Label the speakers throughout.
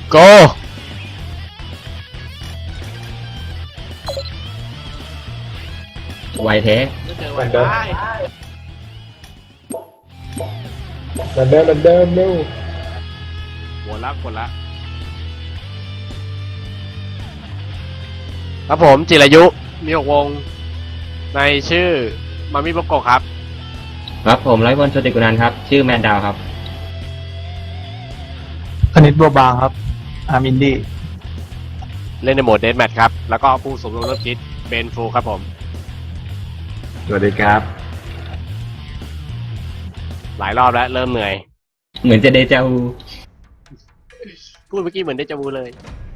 Speaker 1: โกไวแท้
Speaker 2: ไม่เจอ
Speaker 3: เห
Speaker 2: วั
Speaker 3: มือน นเดิม
Speaker 2: ได้
Speaker 3: เหมือนเดิมเร็ว
Speaker 2: กดละ
Speaker 1: ครับผมจิรายุมี6วงในชื่อมามิโบโกะครับ
Speaker 4: ครับผมร้อยวันโชติกุนันท์ครับ ชื่อแมนดาวครับ
Speaker 5: คณิตบัวบางครับ อาร์มินดี้
Speaker 1: เล่นในโหมดเดธแมทครับ แล้วก็ผู้สมรู้ร่วมคิดเบนฟูครับผม
Speaker 4: สวัสดีครับ
Speaker 1: หลายรอบแล้วเริ่มเหนื่อย
Speaker 4: เหมือนจะเดจาวู
Speaker 1: พูดเมื่อกี้เหมือนเดจาวูเลย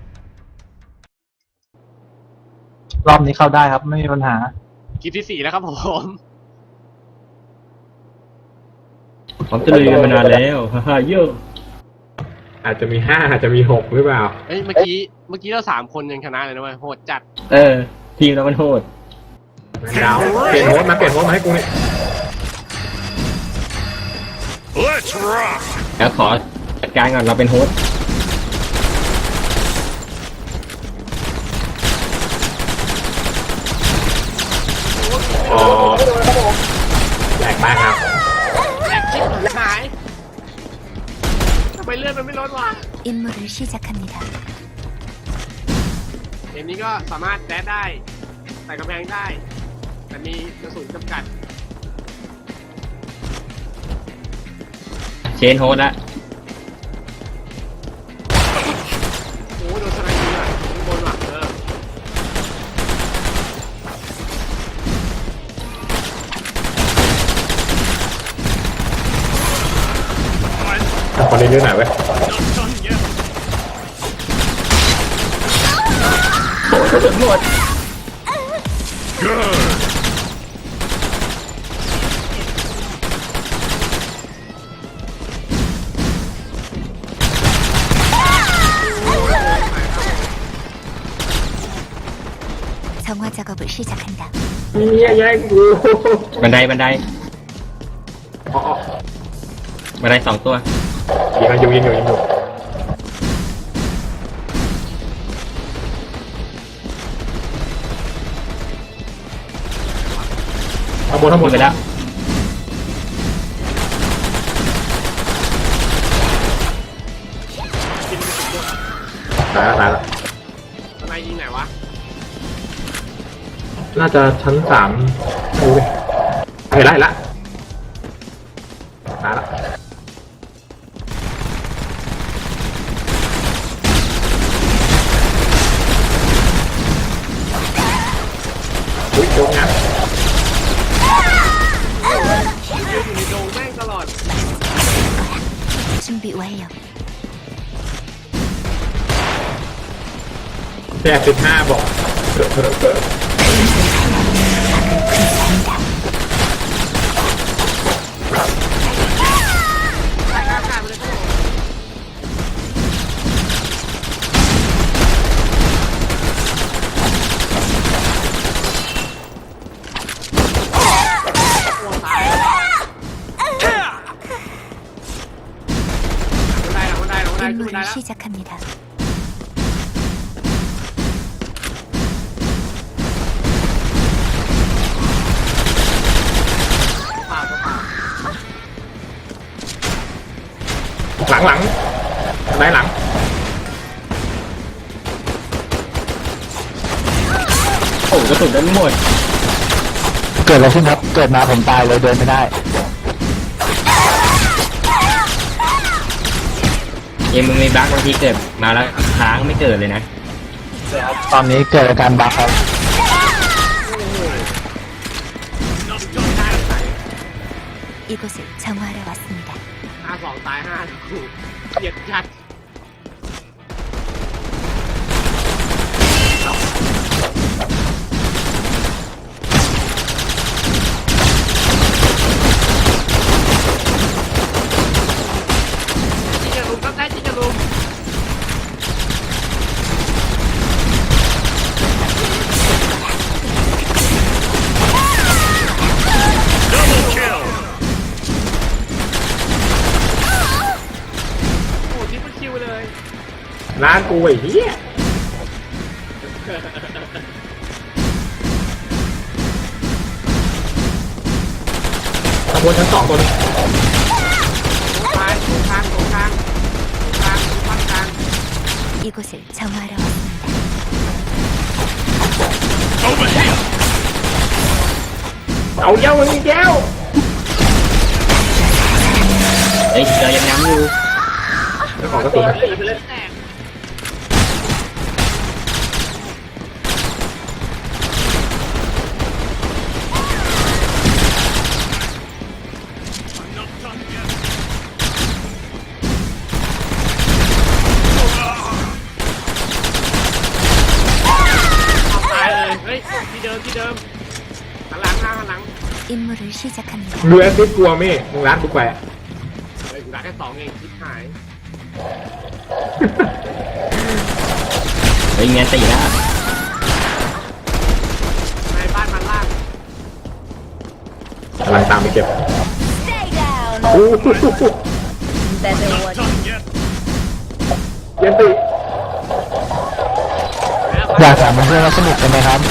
Speaker 5: รอบนี้เข้าได้ครับ ไม่มีปัญหา
Speaker 1: คลิปที่ 4 แล้วครับผม
Speaker 4: ผมจะลุยกันมานานแล้ว ฮ่าฮ่าโย่
Speaker 3: ๆอาจจะมี5อาจจะมี6หรือเปล่า
Speaker 1: เอ้ยเมื่อกี้เรา3 คนยังชนะเลยนะเว้ยโหดจัด
Speaker 4: ทีมเรามันโหด
Speaker 3: แมนดาวเปลี่ยนโฮสต์มาให้กูนี่
Speaker 4: แล้วขอจัดการก่อนเราเป็นโฮสต์
Speaker 3: อ๋อแหลกมากครับ
Speaker 1: แหลกชิบหายทำไมเลื่อนมันไม่ลดวะ
Speaker 6: 임무를 시작합니다.
Speaker 1: เกมนี้ก็สามารถแดดได้ใส่กำแพงได้ แต่มีกระสุนจำกัด
Speaker 4: เชนโฮสต์ละ
Speaker 1: โอ้ยโดนสไนเปอร์อ่ะข้างบนว่ะ
Speaker 3: คนนี้เยอะหน่อยเว้ย
Speaker 6: 정화 작업을 시작한다.
Speaker 3: เนี่ยแย่งกู
Speaker 4: บันได
Speaker 3: อ๋อ
Speaker 4: บันได2 ตัว
Speaker 3: ยิงอยู่ข้างบน
Speaker 4: ไปแล้ว
Speaker 3: ตายแล้ว
Speaker 1: สไนยิงไหนวะ
Speaker 3: น่าจะชั้น3ดูดิเห็นละตายละอุ้ยโดนงัด
Speaker 1: อยู่ในโดงแม่งตลอด
Speaker 6: 준비 완료.
Speaker 3: 85บอก
Speaker 1: ใส่อากาศไปเลยครับผมโอ้ตายบันไดขึ้นบันไดขึ้นบันได
Speaker 6: 임무를
Speaker 1: แล้ว
Speaker 6: 시작합니다.
Speaker 1: ป่าตัวป่า
Speaker 3: หลังได้หลัง
Speaker 4: โอ้กระสุนได้หมด
Speaker 5: เกิดอะไรขึ้นครับ เกิดมาผมตายเลยเดินไม่ได้
Speaker 4: เกมมึงมีบั๊กบางทีเกิดมาแล้วค้างไม่เกิดเลยนะ
Speaker 5: ตอนนี้เกิดอาการบั๊กครับ
Speaker 6: 이곳을 정화하러 왔습니다.
Speaker 1: 5-2 ตาย5ถูกเกลียดจัดจิงจะลุมครับได้จิงจะลุม โอ้ที่มัน
Speaker 3: ร้านกูไอ้เหี้ยขบวนชั้น2ตัวนึง
Speaker 1: ตายตรงกลางตรงกลางตรงกลางตรงฝั่งกลาง
Speaker 6: 이곳을 정화하러 왔습니다.
Speaker 3: เอาเย้ามันอีกแล้ว
Speaker 4: เฮ้ยเรายังย้ำอยู่
Speaker 3: เจ้าของกระสุน
Speaker 1: แตก ตายเลยเฮ้ยที่เดิมหันหลังหันหลัง
Speaker 6: 임무를 시작합니다.
Speaker 3: ดูแอสซิสกลัวไหมมึงร้านกูแขวะ
Speaker 1: เฮ้ยกูได้แค่2เองชิบหาย
Speaker 4: เฮ้ยเงี้ยตีแล้ว
Speaker 1: ในบ้านมันล่าง
Speaker 3: กำลังตามไปเก็บ
Speaker 6: Stay down.
Speaker 3: โอ้โห
Speaker 6: Better watch.
Speaker 3: เย็นสิ
Speaker 5: อยากถามเพื่อนๆว่าสนุกกันไหมครับ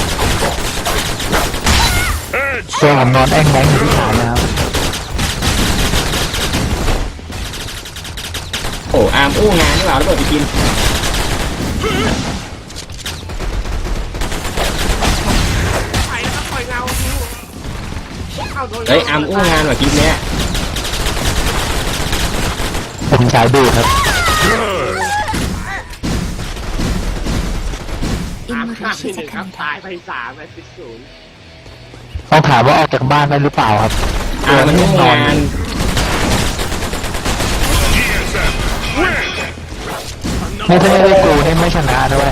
Speaker 5: ตัวผมนอนแอ่งแบงอยู่ที่ฐานนะครับ
Speaker 4: โอ้อาร์มอู้งานนี่หว่าแล้วเปิดไปกิน
Speaker 1: ไปแล้วก็ปล่อยเงาเข้าโดน
Speaker 4: เฮ้ยอาร์มอู้งานว่ะคลิปเนี้ย
Speaker 5: ผมสายดูครับ
Speaker 6: 임무를
Speaker 1: ที่1ครับ
Speaker 6: 시작합니다.
Speaker 1: ตายไป3ไป10
Speaker 5: ต้องถามว่าออกจากบ้านได้หรือเปล่าครับ
Speaker 4: อาร์มมันอู้งาน
Speaker 5: ไม่ใช่ไม่ได้กูให้ไม่ชนะด้วย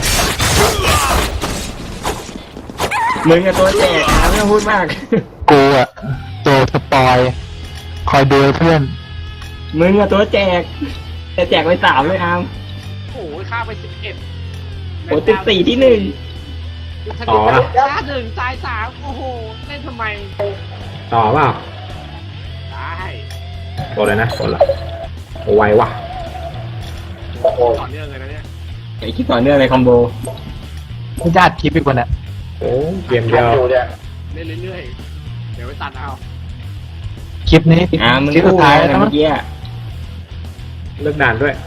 Speaker 4: มึงกับตัวแจกอาร์มไม่ต้องพูดมาก
Speaker 5: กูอะตัวสปอย คอยดูให้เพื่อน
Speaker 4: มึงกับตัวแจกแต่แจกไป3เลยอาร์ม
Speaker 1: โอ้ยฆ่าไป11
Speaker 4: โอ้14ที่
Speaker 3: ต่อละ
Speaker 1: ฆ่า1ตาย3โอ้โหเล่นทำไม
Speaker 3: ต่อเปล่า
Speaker 1: ได้
Speaker 3: ตัวเลยนะตัวละโอ้ไวว่ะ
Speaker 1: ต่อเนื่องเลยนะเนี่ย
Speaker 4: 1ไอ้คลิปต่อเนื่องเลยคอมโบ
Speaker 5: ไม่ญาติคลิปอีกคนอะ
Speaker 3: โอ้เกมเดียว
Speaker 1: เล่นเรื่อยๆเดี๋ยวไปตัดเอา
Speaker 5: คลิปนี้
Speaker 4: อาร์มมึง
Speaker 5: คลิปสุ
Speaker 4: อู้
Speaker 5: ดท้าย
Speaker 4: งาน
Speaker 5: แล้ว
Speaker 4: นะ
Speaker 5: มั้
Speaker 4: เมื่อกี้อะ
Speaker 3: เลิกด่านด้วย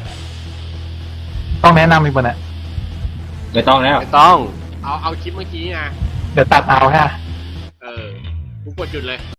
Speaker 5: ต้องแนะนำอีกคนอะ
Speaker 4: ไม่ต้องแล้ว
Speaker 2: ไม่ต้อง
Speaker 1: เอาคลิปเมื่อกี้ไง
Speaker 5: เดี๋ยวตัดเอาฮะ
Speaker 1: กูกดหยุดเลย